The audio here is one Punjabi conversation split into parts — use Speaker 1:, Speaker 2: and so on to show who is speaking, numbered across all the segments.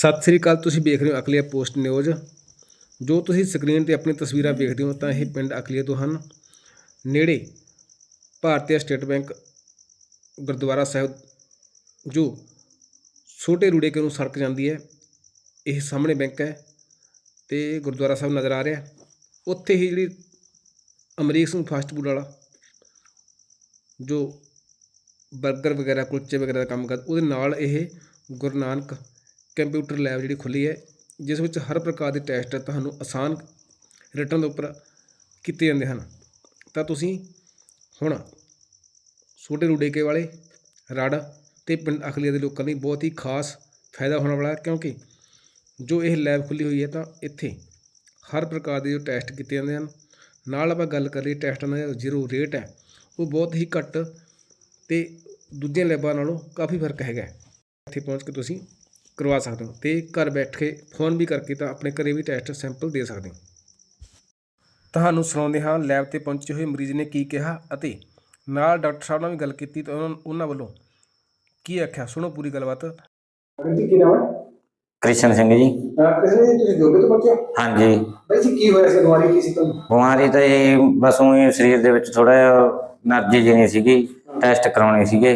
Speaker 1: ਸਤਿ ਸ੍ਰੀ ਅਕਾਲ। ਤੁਸੀਂ ਵੇਖ ਰਹੇ ਹੋ ਅਕਲੀਆ ਪੋਸਟ ਨਿਊਜ਼। ਜੋ ਤੁਸੀਂ ਸਕਰੀਨ 'ਤੇ ਆਪਣੀ ਤਸਵੀਰਾਂ ਵੇਖਦੇ ਹੋ ਤਾਂ ਇਹ ਪਿੰਡ ਅਕਲੀਆ ਤੋਂ ਹਨ। ਨੇੜੇ ਭਾਰਤੀ ਸਟੇਟ ਬੈਂਕ ਗੁਰਦੁਆਰਾ ਸਾਹਿਬ ਜੋ ਛੋਟੇ ਰੂੜੇਕੇ ਨੂੰ ਸੜਕ ਜਾਂਦੀ ਹੈ, ਇਹ ਸਾਹਮਣੇ ਬੈਂਕ ਹੈ ਅਤੇ ਗੁਰਦੁਆਰਾ ਸਾਹਿਬ ਨਜ਼ਰ ਆ ਰਿਹਾ। ਉੱਥੇ ਹੀ ਜਿਹੜੀ ਅਮਰੀਕ ਸਿੰਘ ਫਾਸਟ ਫੂਡ ਵਾਲਾ ਜੋ ਬਰਗਰ ਵਗੈਰਾ ਕੁਲਚੇ ਵਗੈਰਾ ਦਾ ਕੰਮ ਕਰਦਾ, ਉਹਦੇ ਨਾਲ ਇਹ ਗੁਰੂ ਨਾਨਕ ਕੰਪਿਊਟਰ ਲੈਬ ਜਿਹੜੀ ਖੁੱਲ੍ਹੀ ਹੈ, ਜਿਸ ਵਿੱਚ ਹਰ ਪ੍ਰਕਾਰ ਦੇ ਟੈਸਟ ਤੁਹਾਨੂੰ ਆਸਾਨ ਰਿਟਰਨ ਦੇ ਉੱਪਰ ਕੀਤੇ ਜਾਂਦੇ ਹਨ। ਤਾਂ ਤੁਸੀਂ ਹੁਣ ਛੋਟੇ ਰੂੜੇਕੇ ਵਾਲੇ ਰੜ ਅਤੇ ਪਿੰਡ ਅਕਲੀਆ ਦੇ ਲੋਕਾਂ ਲਈ ਬਹੁਤ ਹੀ ਖਾਸ ਫਾਇਦਾ ਹੋਣ ਵਾਲਾ ਹੈ, ਕਿਉਂਕਿ ਜੋ ਇਹ ਲੈਬ ਖੁੱਲ੍ਹੀ ਹੋਈ ਹੈ ਤਾਂ ਇੱਥੇ ਹਰ ਪ੍ਰਕਾਰ ਦੇ ਜੋ ਟੈਸਟ ਕੀਤੇ ਜਾਂਦੇ ਹਨ। ਨਾਲ ਆਪਾਂ ਗੱਲ ਕਰੀਏ ਟੈਸਟਾਂ ਦਾ ਜੋ ਰੇਟ ਹੈ ਉਹ ਬਹੁਤ ਹੀ ਘੱਟ ਅਤੇ ਦੂਜੀਆਂ ਲੈਬਾਂ ਨਾਲੋਂ ਕਾਫੀ ਫਰਕ ਹੈਗਾ। ਇੱਥੇ ਪਹੁੰਚ ਕੇ ਤੁਸੀਂ ਕਰਵਾ ਸਕਦੇ ਹੋ ਅਤੇ ਘਰ ਬੈਠੇ ਫੋਨ ਵੀ ਕਰਕੇ ਤਾਂ ਆਪਣੇ ਘਰ ਵੀ ਟੈਸਟ ਸੈਂਪਲ ਦੇ ਸਕਦੇ ਹੋ। ਤੁਹਾਨੂੰ ਸੁਣਾਉਂਦੇ ਹਾਂ ਲੈਬ 'ਤੇ ਪਹੁੰਚੇ ਹੋਏ ਮਰੀਜ਼ ਨੇ ਕੀ ਕਿਹਾ ਅਤੇ ਨਾਲ ਡਾਕਟਰ ਸਾਹਿਬ ਨਾਲ ਵੀ ਗੱਲ ਕੀਤੀ ਤਾਂ ਉਹਨਾਂ ਵੱਲੋਂ ਕੀ ਆਖਿਆ। ਸੁਣੋ ਪੂਰੀ ਗੱਲਬਾਤ। ਕੀ ਨਾਮ ਹੈ?
Speaker 2: ਕ੍ਰਿਸ਼ਨ ਸਿੰਘ ਜੀ।
Speaker 1: ਕ੍ਰਿਸ਼ਨ ਜੀ, ਤੁਸੀਂ ਜੋਗੇ ਤੋਂ ਪਹੁੰਚੇ?
Speaker 2: ਹਾਂਜੀ।
Speaker 1: ਬਾਈ ਜੀ, ਕੀ ਹੋਇਆ ਸੀ? ਬਿਮਾਰੀ ਕੀ ਸੀ ਤੁਹਾਨੂੰ?
Speaker 2: ਬਿਮਾਰੀ ਤਾਂ ਇਹ ਬਸ ਊਂ ਸਰੀਰ ਦੇ ਵਿੱਚ ਥੋੜਾ ਜਿਹਾ ਐਨਰਜੀ ਜਿਹੀ ਨਹੀਂ ਸੀਗੀ, ਟੈਸਟ ਕਰਾਉਣੇ ਸੀਗੇ।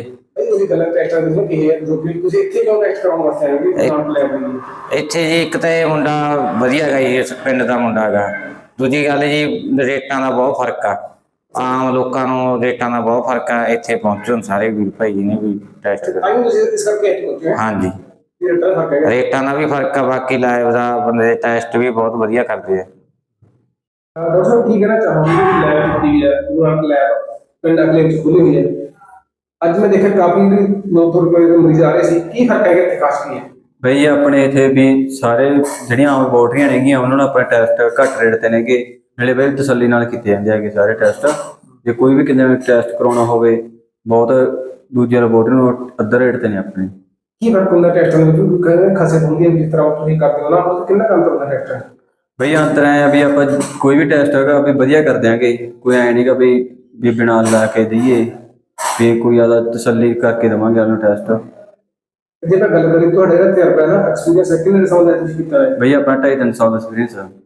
Speaker 2: ਇੱਥੇ ਜੀ ਇੱਕ ਤਾਂ ਇਹ ਮੁੰਡਾ ਵਧੀਆ ਹੈਗਾ ਜੀ, ਇਸ ਪਿੰਡ ਦਾ ਮੁੰਡਾ ਹੈਗਾ। ਦੂਜੀ ਗੱਲ ਜੀ, ਰੇਟਾਂ ਦਾ ਬਹੁਤ ਫਰਕ ਆ, ਆਮ ਲੋਕਾਂ ਨੂੰ ਰੇਟਾਂ ਦਾ ਬਹੁਤ ਫਰਕ ਆ। ਇੱਥੇ ਪਹੁੰਚਣ ਸਾਰੇ ਵੀਰ ਭਾਈ ਜੀ ਨੇ ਵੀ ਟੈਸਟ ਕਰਾਉਣੇ। ਹਾਂਜੀ, ਰੇਟਾਂ ਦਾ ਵੀ ਫਰਕ ਆ, ਬਾਕੀ ਲਾਈਵ ਦਾ ਬੰਦੇ ਦੇ ਟੈਸਟ ਵੀ ਬਹੁਤ ਵਧੀਆ ਕਰਦੇ ਆ।
Speaker 1: ਡਾਕਟਰ ਸਾਹਿਬ, ਕੀ ਕਹਿਣਾ ਚਾਹੋਗੇ? ਲੈਬ ਕੀਤੀ ਹੈ, ਲੈਬ ਪਿੰਡ ਅਕਲੀਆ ਵਿੱਚ ਖੁੱਲ੍ਹੀ ਹੋਈ ਹੈ। ਅੱਜ ਮੈਂ ਦੇਖਿਆ ਕਾਫੀ ਲੋਕ ਮਰੀਜ਼ ਆ ਰਹੇ ਸੀ, ਕੀ ਫਰਕ ਹੈਗਾ ਇੱਥੇ, ਖਾਸ ਕੀ ਹੈ?
Speaker 3: ਬਈ ਆਪਣੇ ਇੱਥੇ ਵੀ ਸਾਰੇ ਜਿਹੜੀਆਂ ਆਮ ਲੈਬੋਰਟਰੀਆਂ ਨੇਗੀਆਂ ਉਹਨਾਂ ਨੂੰ ਆਪਣੇ ਟੈਸਟ ਘੱਟ ਰੇਟ ਤੇ ਨੇਗੇ, ਨਾਲੇ ਬਈ ਤਸੱਲੀ ਨਾਲ ਕੀਤੇ ਜਾਂਦੇ ਹੈਗੇ ਸਾਰੇ ਟੈਸਟ। ਜੇ ਕੋਈ ਵੀ ਕਿਤੇ ਟੈਸਟ ਕਰਾਉਣਾ ਹੋਵੇ ਬਹੁਤ ਦੂਜੀਆਂ ਲੈਬੋਰਟਰੀ ਨੂੰ ਅੱਧਾ ਰੇਟ ਤੇ ਨੇ ਆਪਣੇ। ਕੀ
Speaker 1: ਫਰਕ ਹੁੰਦਾ ਟੈਸਟਾਂ ਦੇ ਵਿੱਚ? ਕਹਿੰਦੇ ਖਾਸੇ ਹੁੰਦੀ ਹੈ ਜਿਸ ਤਰ੍ਹਾਂ ਤੁਸੀਂ ਕਰਦੇ ਹੋ ਨਾ, ਉਹ ਕਿੰਨਾ ਕੰਮ ਕਰਦਾ ਟੈਸਟ?
Speaker 3: ਬਈ ਅੰਤਰ ਐ ਆ ਵੀ ਆਪਾਂ ਕੋਈ ਵੀ ਟੈਸਟ ਹੈਗਾ ਵੀ ਵਧੀਆ ਕਰ ਦਿਆਂਗੇ, ਕੋਈ ਐ ਨਹੀਂਗਾ ਵੀ ਬਿਨਾਂ ਲਾ ਕੇ ਦਈਏ, ਵੀ ਕੋਈ ਜ਼ਿਆਦਾ ਤਸੱਲੀ ਕਰਕੇ ਦੇਵਾਂਗੇ ਉਹਨੂੰ ਟੈਸਟ।
Speaker 1: ਜੇ ਮੈਂ ਗੱਲ ਕਰੀ ਤੁਹਾਡੇ ਦਾ ਤਜਰਬਾ ਨਾ, ਐਕਸਪੀਰੀਅੰਸ ਕਿੰਨੇ ਸਾਲ ਦਾ ਤੁਸੀਂ ਕੀਤਾ ਹੈ?
Speaker 3: ਬਈ ਆਪਣਾ 2.5-3 ਸਾਲ ਦਾ ਐਕਸਪੀਰੀਅੰਸ ਆ।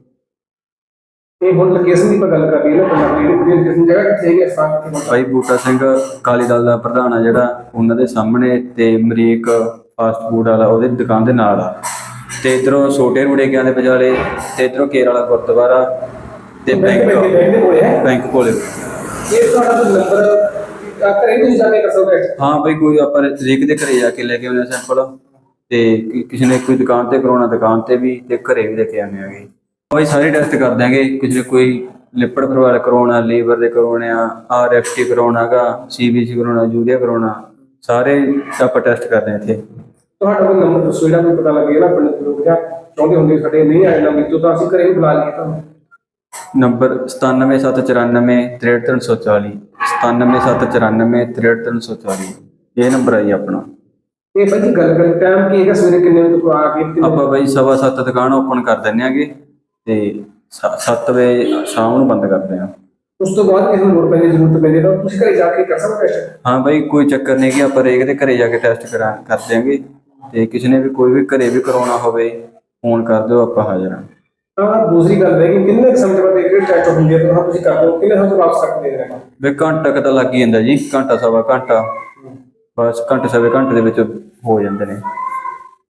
Speaker 1: ਇਹ ਹੁਣ ਲੋਕੇਸ਼ਨ ਦੀ ਗੱਲ ਕਰ ਰਹੀ ਹੈ ਨਾ, ਪੰਜਾਬੀ ਲੋਕੇਸ਼ਨ ਜਗ੍ਹਾ ਕਿੱਥੇ ਹੈਗੀ?
Speaker 3: ਭਾਈ ਬੂਟਾ ਸਿੰਘ ਅਕਾਲੀ ਦਲ ਦਾ ਪ੍ਰਧਾਨ ਆ ਜਿਹੜਾ, ਉਹਨਾਂ ਦੇ ਸਾਹਮਣੇ ਤੇ ਅਮਰੀਕ ਫਾਸਟ ਫੂਡ ਵਾਲਾ ਉਹਦੀ ਦੁਕਾਨ ਦੇ ਨਾਲ ਆ, ਤੇ ਇਧਰੋਂ ਛੋਟੇ ਰੂੜੇਕਿਆਂ ਦੇ ਵਿਚਾਲੇ, ਤੇ ਇਧਰੋਂ ਕੇਰ ਵਾਲਾ ਗੁਰਦੁਆਰਾ ਤੇ ਬੈਂਕ ਕੋਲੇ।
Speaker 1: ਇਹ ਤੁਹਾਡਾ ਨੰਬਰ ਘਰੇ ਤੁਸੀਂ ਜਾ ਕੇ ਕਰ ਸਕਦੇ ਹੋ?
Speaker 3: ਹਾਂ ਬਈ, ਕੋਈ ਆਪਾਂ ਹਰੇਕ ਦੇ ਘਰੇ ਜਾ ਕੇ ਲੈ ਕੇ ਆਉਂਦੇ ਸੈਂਪਲ, ਤੇ ਕਿਸੇ ਨੇ ਕੋਈ ਦੁਕਾਨ ਤੇ ਕਰਾਉਣਾ ਦੁਕਾਨ ਤੇ ਵੀ, ਤੇ ਘਰੇ ਵੀ ਲੈ ਕੇ ਆਉਂਦੇ ਆਗੇ। ਭਾਈ ਸਾਰੇ ਟੈਸਟ ਕਰ ਦਿਆਂਗੇ। ਕਿਸੇ ਨੇ ਕੋਈ ਲਿਪੜ ਪ੍ਰਵਾਲ ਕਰਾਉਣਾ, ਲੀਵਰ ਦੇ ਕਰਾਉਣੇ ਆ, RFT ਕਰਾਉਣਾ ਗਾ, CBC ਕਰਾਉਣਾ, ਯੂਰੀਆ ਕਰਾਉਣਾ, ਸਾਰੇ ਆਪਾਂ ਟੈਸਟ ਕਰਦੇ ਹਾਂ ਇੱਥੇ।
Speaker 1: ਤੁਹਾਡਾ ਕੋਈ ਨੰਬਰ ਦੱਸੋ ਜਿਹੜਾ ਕੋਈ ਪਤਾ ਲੱਗੇ ਨਾ, ਪਿੰਡ ਦੇ ਲੋਕ ਜਾਂ ਚਾਹੁੰਦੇ ਹੁੰਦੇ ਸਾਡੇ ਨਹੀਂ ਆਏ ਨੰਬਰ ਤੋਂ, ਤਾਂ ਅਸੀਂ ਘਰੇ ਵੀ ਬੁਲਾ ਲਈਏ ਤੁਹਾਨੂੰ।
Speaker 3: ਨੰਬਰ 9774 63340, 9774 63340, ਇਹ ਨੰਬਰ ਆ ਜੀ ਆਪਣਾ।
Speaker 1: ਇਹ ਭਾਈ ਗੱਲ ਕਰੀ ਟਾਈਮ ਕੀ ਹੈਗਾ, ਸਵੇਰੇ ਕਿੰਨੇ ਵਜੇ ਤੋਂ ਆ ਕੇ?
Speaker 3: ਆਪਾਂ ਬਾਈ 7:15 ਦੁਕਾਨ ਓਪਨ ਕਰ ਦਿੰਦੇ ਆਗੇ, ਤੇ 7 ਵਜੇ ਸ਼ਾਮ ਨੂੰ ਬੰਦ ਕਰਦੇ ਆ।
Speaker 1: ਉਸ ਤੋਂ ਬਾਅਦ ਕਿਸੇ ਨੂੰ ਲੋੜ ਪੈਂਦੀ, ਜ਼ਰੂਰਤ ਪੈਂਦੀ ਤਾਂ ਤੁਸੀਂ ਘਰੇ ਜਾ ਕੇ ਕਰ ਸਕਦੇ ਟੈਸਟ?
Speaker 3: ਹਾਂ ਬਾਈ, ਕੋਈ ਚੱਕਰ ਨਹੀਂ ਕਿ ਆਪਾਂ ਹਰੇਕ ਦੇ ਘਰੇ ਜਾ ਕੇ ਟੈਸਟ ਕਰ ਦਿਆਂਗੇ, ਤੇ ਕਿਸੇ ਨੇ ਵੀ ਕੋਈ ਵੀ ਘਰੇ ਵੀ ਕਰਾਉਣਾ ਹੋਵੇ ਫੋਨ ਕਰ ਦਿਓ, ਆਪਾਂ ਹਾਜ਼ਰ ਹਾਂ।
Speaker 1: ਤਾਂ ਦੂਸਰੀ ਗੱਲ ਹੈ ਕਿ ਕਿੰਨੇ ਸਮੇਂ ਬਾਅਦ ਇਹ ਟੈਸਟ ਹੁੰਦੀ ਹੈ ਤਾਂ ਤੁਸੀਂ ਕਰ ਦਿਓ, ਕਿੰਨੇ ਸਮੇਂ ਤੋਂ ਵਾਪਸ ਕਰਕੇ ਦੇ ਦੇਣਾ?
Speaker 3: ਵੀ ਘੰਟਾ ਕੁ ਤਾਂ ਲੱਗ ਹੀ ਜਾਂਦਾ ਜੀ, ਘੰਟਾ ਸਵਾ ਘੰਟਾ, ਬਸ ਘੰਟੇ ਸਵਾ ਘੰਟੇ ਦੇ ਵਿੱਚ ਹੋ ਜਾਂਦੇ ਨੇ।